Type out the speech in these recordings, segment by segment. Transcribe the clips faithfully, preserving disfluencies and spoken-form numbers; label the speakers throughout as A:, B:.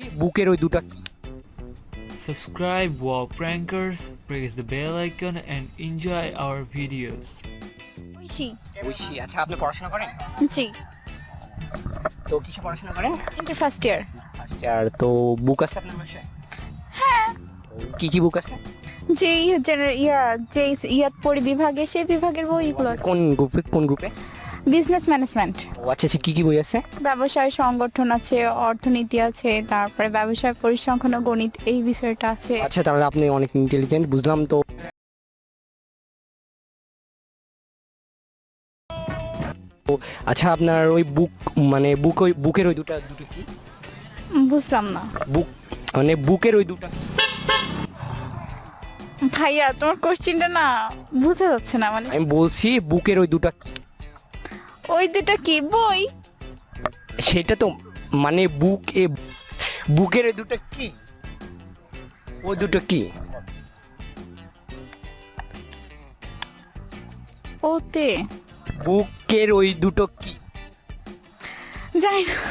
A: বুকের ওই দুটা
B: Subscribe Wow Prankers, press the bell icon and enjoy our videos.
C: Oishi.
A: Oishi, আচ্ছা আপনি পড়াশোনা করেন?
C: জি,
A: তো কিসে পড়াশোনা করেন?
C: Inter first year.
A: First year. তো বুক আছে আপনার বাসায়?
C: হ্যাঁ।
A: কি কি বুক আছে?
C: যে জেনারেল ইয়া যে ইয়াত পড়ি বিভাগে সেই বিভাগের বইগুলো আছে।
A: কোন গ্রুপে কোন গ্রুপে?
C: Business management.
A: ও আচ্ছা আচ্ছা, কি কি বই আছে?
C: ব্যবসায় সংগঠন আছে, অর্থনীতি আছে, তারপরে ব্যবসায় পরিসংখ্যান ও গণিত এই বিষয়টা আছে।
A: আচ্ছা, তাহলে আপনি অনেক ইন্টেলিজেন্ট বুঝলাম। তো আচ্ছা, আপনার ওই বুক মানে বুক ওই বুকের ওই দুটা দুটো কি?
C: উম, বুঝলাম না
A: বুক মানে বুকের ওই দুটা
C: ভাইয়া, তোমার কোশ্চেনটা না বুঝা যাচ্ছে না। মানে
A: আমি বলছি বুকের ওই দুটা
C: ওই দুটো কি বই?
A: সেটা তো মানে বুক এ বুকের ওই দুটো কি? ওই দুটো কি?
C: ওতে
A: বুকের ওই দুটো কি?
C: যাই না।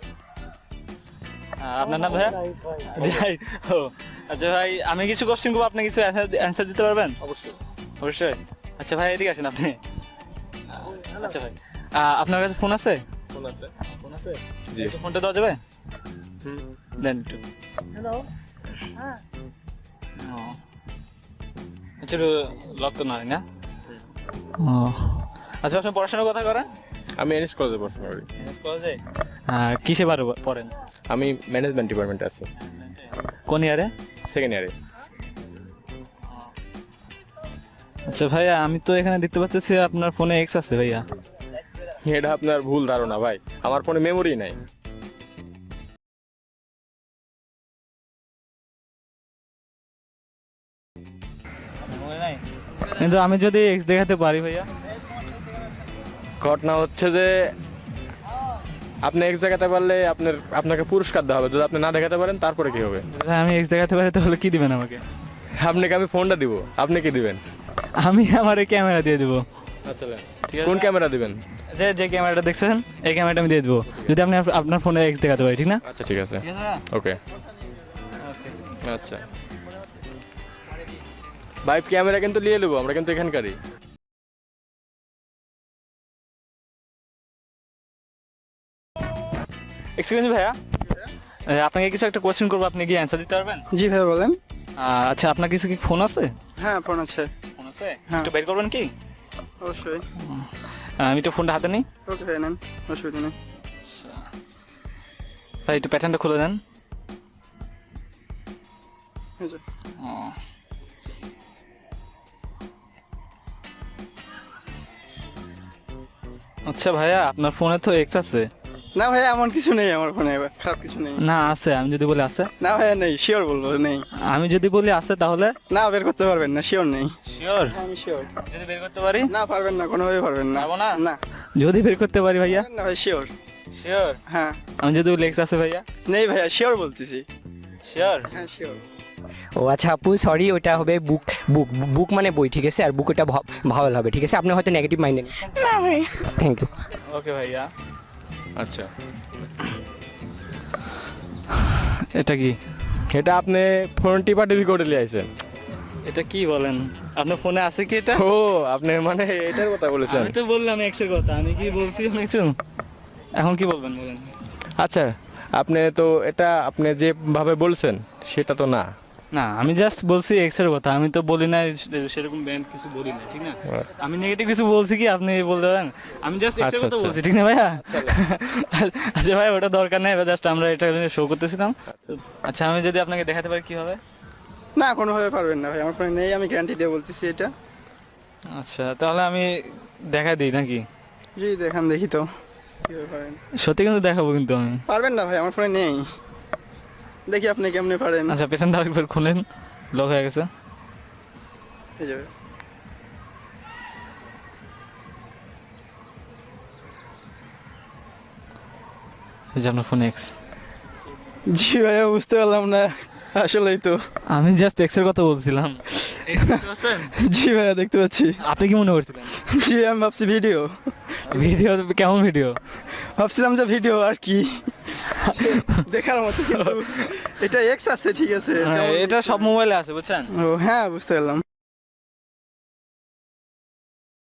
D: আপনার নাম ভাইয়া? যাই ও আচ্ছা ভাই, আমি কিছু কোশ্চেন করবো, আপনি কিছু অ্যান্সার দিতে পারবেন? অবশ্যই অবশ্যই। আচ্ছা ভাই, এদিকে আসেন আপনি। আচ্ছা ভাই, আহ, আপনার কাছে ফোন আছে?
E: ফোন আছে।
D: ফোন আছে?
E: জি।
D: একটু ফোনটা দেওয়া যাবে?
E: হুম।
D: দেন একটু।
C: হ্যালো।
D: ও আচ্ছা, লক তো নয় না? ও আচ্ছা, আপনি পড়াশোনার কথা করেন?
E: আমি এনএস কলেজে পড়াশোনা করি।
D: এনএস কলেজে? হ্যাঁ, কিসে পারো পড়েন?
E: আমি ম্যানেজমেন্ট ডিপার্টমেন্টে আছি,
D: কোন ইয়ারে?
E: সেকেন্ড ইয়ারে।
D: আচ্ছা ভাইয়া, আমি তো এখানে দেখতে পাচ্ছি আপনার ফোনে এক্স আছে ভাইয়া।
E: এটা আপনার ভুল ধারণা ভাই, আমার ফোনে মেমোরি নাই।
D: মনে নাই? কিন্তু আমি যদি এক্স দেখাতে পারি ভাইয়া?
E: ঘটনা হচ্ছে যে আপনি এক জায়গাতে পারলে আপনার আপনাকে পুরস্কার দেওয়া হবে, যদি আপনি না দেখাতে পারেন তারপরে কি হবে?
D: ভাই, আমি এক্স দেখাতে পারি তাহলে কি দিবেন আমাকে?
E: আপনাকে আমি ফোনটা দিব, আপনি কি দিবেন?
D: আমি আমার এই ক্যামেরা দিয়ে দিব।
E: আচ্ছা,
D: ঠিক আছে।
E: কোন ক্যামেরা দিবেন?
D: যে যে ক্যামেরাটা দেখছেন এই ক্যামেরাটা আমি দিয়ে দেবো, যদি আপনি আপ- আপনার ফোনে এক্স দেখাতে পারি, ঠিক না?
E: আচ্ছা ঠিক আছে,
D: ঠিক আছে ভাইয়া?
E: ওকে। আচ্ছা ভাই, ক্যামেরা কিন্তু নিয়ে নেবো, আমরা কিন্তু এখানকারই।
D: এক্সকিউজ মি ভাইয়া, এ, আপনাকে কিছু একটা কোশ্চেন করবো, আপনি কি অ্যান্সার দিতে পারবেন?
F: জি ভাই বলেন।
D: আহ, আচ্ছা, আপনার কিছু কি ফোন আছে?
F: হ্যাঁ ফোন আছে।
D: ফোন আছে?
F: হ্যাঁ।
D: একটু বের করবেন কি?
F: অবশ্যই।
D: আহ, আমি তো ফোনটা হাতে নিই।
F: ওকে ভাই নেন, অসুবিধা নেই।
D: ভাই, একটু প্যাটার্নটা খুলে দেন।
F: এই যে।
D: ও। আচ্ছা ভাইয়া, আপনার ফোনে তো এক্স আছে?
F: না ভাই, এমন কিছু নেই আমার ফোনে, খারাপ কিছু নেই।
D: না আছে, আমি যদি বলি আছে?
F: না ভাইয়া নেই, শিওর বলবো নেই।
D: আমি যদি বলি আছে তাহলে?
F: না বের করতে পারবেন না, শিওর নেই।
D: শিওর?
F: আমি শিওর।
D: যদি বের করতে পারি?
F: না পারবেন না, কোনোভাবে পারবেন না।
D: পারবো না?
F: না
D: যদি বের করতে পারি ভাইয়া?
F: পারবেন না ভাই, শিওর।
D: শিওর?
F: হ্যাঁ।
D: আমি যদি বলি এক্স আছে ভাইয়া?
F: নেই ভাইয়া, শিওর বলতেছি।
D: শিওর?
F: হ্যাঁ শিওর।
A: ও আচ্ছা আপু, সরি, ওটা হবে বুক বুক বুক মানে বই, ঠিক আছে? আর বুক ওটা ভাওয়াল হবে, ঠিক আছে? আপনি হয়তো নেগেটিভ মাইন্ডে নিচ্ছেন।
C: না ভাই,
A: থ্যাংক ইউ।
D: ওকে ভাইয়া।
E: আচ্ছা,
D: এটা কি?
E: এটা আপনি ফোন টিপা টিপি করে নিয়ে আইছেন।
D: এটা কি বলেন? আপনার ফোনে আছে কি এটা?
E: ও, আপনি মানে এটার কথা বলেছেন?
D: আমি তো বললাম এক্স এর কথা, আমি কি বলছি অনেক কিছু? এখন কি বলবেন বলেন?
E: আচ্ছা, আপনি তো এটা আপনি যেভাবে বলছেন সেটা তো না।
D: না, আমি জাস্ট বলছি এক্স এর কথা, আমি তো বলি না সে- সেরকম ব্যান্ড কিছু বলি না, ঠিক না? আমি নেগেটিভ কিছু বলছি কি আপনি বলতে পারেন? আমি জাস্ট এক্স এর
E: আচ্ছা,
D: কথা
E: আচ্ছা।
D: বলছি, ঠিক না ভাইয়া? আচ্ছা ভাই, ওটা দরকার নেই, জাস্ট আমরা এটা শো করতেছিলাম। আচ্ছা, আমি যদি আপনাকে দেখাতে পারি কি হবে?
F: না কোনোভাবে পারবেন না ভাই, আমার ফোনে নেই, আমি গ্যারান্টি দিয়ে বলতেছি এটা।
D: আচ্ছা, তাহলে আমি দেখা দিই নাকি?
F: জি দেখান দেখি তো কিভাবে পারেন।
D: সত্যি কিন্তু দেখাবো কিন্তু আমি।
F: পারবেন না ভাই, আমার ফোনে নেই। দেখি আপনি কেমনে পারেন।
D: আচ্ছা, পেছনটা আরেকবার খুলেন, লক হয়ে গেছে।
F: এই যাবে।
D: এই যে আপনার ফোন এক্স।
F: জি ভাইয়া, বুঝতে পারলাম না, আসলেই তো।
D: আমি জাস্ট এক্স এর কথা বলছিলাম।
F: জি ভাইয়া, দেখতে পাচ্ছি।
D: আপনি কি মনে করছিলেন?
F: জি আমি ভাবছি ভিডিও।
D: ভিডিও? কেমন ভিডিও?
F: ভাবছিলাম যে ভিডিও আর কি। দেখার মতো কিন্তু এটা এক্স আছে ঠিক আছে
D: হ্যাঁ, এটা সব মোবাইলে আছে বুঝছেন
F: ও হ্যাঁ বুঝতে পারলাম